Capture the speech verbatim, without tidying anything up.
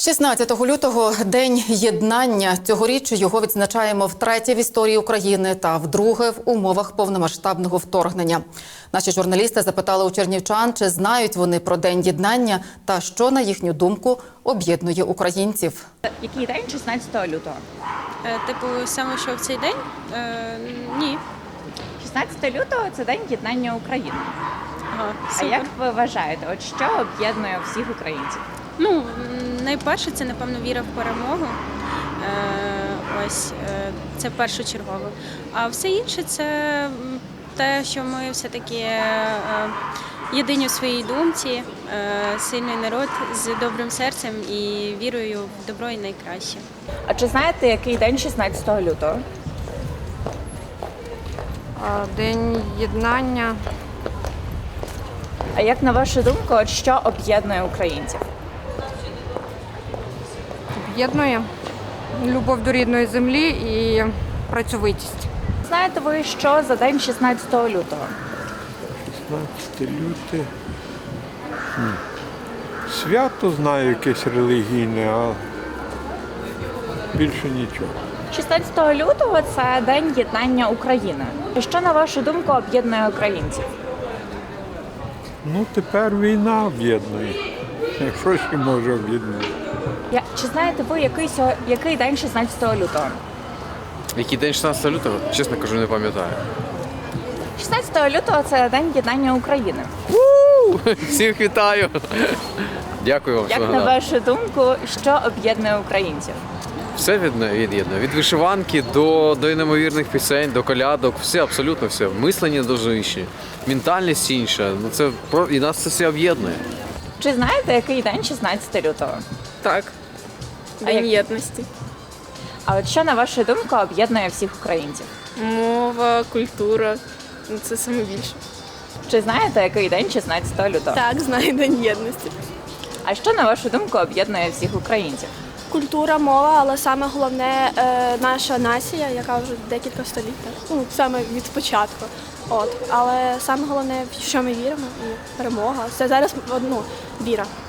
шістнадцятого лютого – День єднання. Цьогоріч його відзначаємо втретє в історії України та вдруге в умовах повномасштабного вторгнення. Наші журналісти запитали у чернівчан, чи знають вони про День єднання та що, на їхню думку, об'єднує українців. Який день шістнадцятого лютого? Е, Типу, саме що в цей день? Е, ні. шістнадцятого лютого – це День єднання України. Ага, А супер. як ви вважаєте, от що об'єднує всіх українців? Ну, м, найперше, це, напевно, віра в перемогу. Е, ось, е, це першочергово. А все інше – це м, те, що ми все-таки е, єдині у своїй думці, е, сильний народ з добрим серцем і вірою в добро і найкраще. А чи знаєте, який день шістнадцятого лютого? А, День єднання. А як на вашу думку, от що об'єднує українців? Об'єднує любов до рідної землі і працьовитість. Знаєте ви, що за день шістнадцятого лютого? шістнадцяте люте. Хм. Свято знаю якесь релігійне, а більше нічого. шістнадцятого лютого – це День єднання України. Що, на вашу думку, об'єднує українців? Ну, тепер війна об'єднує. Що ще може об'єднувати? Я- Чи знаєте ви, який, сьо- який день шістнадцятого лютого? Який день шістнадцятого лютого? Чесно кажу, не пам'ятаю. шістнадцятого лютого – це День єднання України. Всіх вітаю! Дякую вам, Як що на нагадали. вашу думку, що об'єднує українців? Все відно- від'єднує. Від вишиванки до, до неймовірних пісень, до колядок, все, абсолютно все. Мислення дуже інші, ментальність інша. Ну, це, про- і нас це все об'єднує. Чи знаєте, який день шістнадцятого лютого? Так, А День як- єдності. А от що, на вашу думку, об'єднує всіх українців? Мова, культура. Ну, це саме більше. Чи знаєте, який день шістнадцятого лютого? Так, знаю День єдності. А що, на вашу думку, об'єднує всіх українців? Культура, мова, але саме головне е, наша нація, яка вже декілька століть, ну саме від початку. От, але саме головне, в що ми віримо, і перемога. Це зараз ну, віра.